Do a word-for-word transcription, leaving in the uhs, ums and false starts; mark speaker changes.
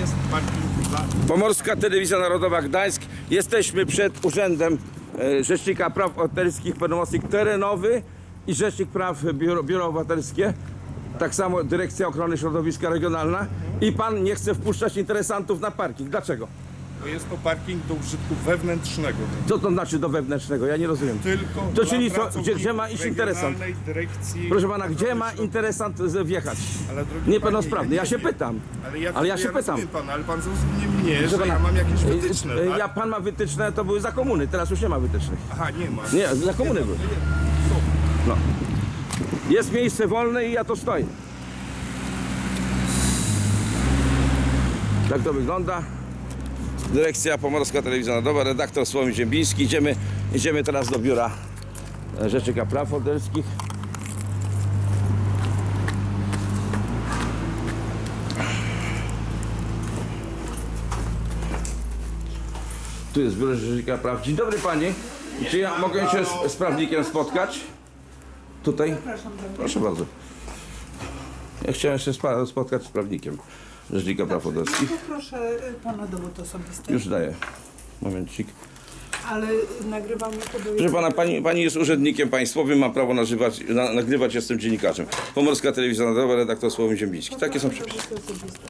Speaker 1: jest parking dla...
Speaker 2: Pomorska Telewizja Narodowa Gdańsk. Jesteśmy przed Urzędem e, Rzecznika Praw Obywatelskich, pełnomocnik terenowy i Rzecznik Praw Biuro, Biuro Obywatelskie. Tak samo Dyrekcja Ochrony Środowiska Regionalna. I pan nie chce wpuszczać interesantów na parking. Dlaczego?
Speaker 1: Bo jest to parking do użytku wewnętrznego.
Speaker 2: Co to znaczy do wewnętrznego? Ja nie rozumiem.
Speaker 1: Tylko
Speaker 2: To
Speaker 1: dla
Speaker 2: czyli co, gdzie,
Speaker 1: pracowników
Speaker 2: gdzie ma iść interesant?
Speaker 1: Regionalnej Dyrekcji
Speaker 2: Proszę pana, gdzie
Speaker 1: Ochrony
Speaker 2: ma
Speaker 1: Środowiska.
Speaker 2: interesant z- wjechać?
Speaker 1: Ale drogi
Speaker 2: Niepełnosprawny.
Speaker 1: panie,
Speaker 2: Ja się
Speaker 1: nie-
Speaker 2: pytam.
Speaker 1: Ale ja,
Speaker 2: Ale ja się pytam.
Speaker 1: rozumiem pana, ale pan zrozumie mnie,
Speaker 2: Proszę
Speaker 1: że ja
Speaker 2: pana,
Speaker 1: mam jakieś
Speaker 2: e,
Speaker 1: wytyczne,
Speaker 2: e,
Speaker 1: tak?
Speaker 2: Ja pan ma wytyczne, to były za komuny, teraz już nie ma wytycznych.
Speaker 1: Aha, nie ma.
Speaker 2: Nie, za komuny były. No. Jest miejsce wolne i ja to stoję. Tak to wygląda. Dyrekcja Pomorska Telewizja Narodowa, redaktor Sławomir Ziembiński. Idziemy, idziemy teraz do biura Rzecznika Praw Obywatelskich. Tu jest biuro Rzecznika Praw. Dzień dobry pani. Czy ja mogę się z, z prawnikiem spotkać? Tutaj? Proszę bardzo. Ja chciałem się spa- spotkać z prawnikiem Rzecznika Praw Obywatelskich.
Speaker 3: Poproszę y, pana dowód osobisty.
Speaker 2: Już daję. Momencik.
Speaker 3: Ale nagrywamy to do...
Speaker 2: Proszę pana, pani, pani jest urzędnikiem państwowym, ma prawo nażywać, na, nagrywać, jestem dziennikarzem. Pomorska Telewizja Narodowa, redaktor Sławomir Ziembiński. Takie są przepisy.
Speaker 3: Dowód osobisty.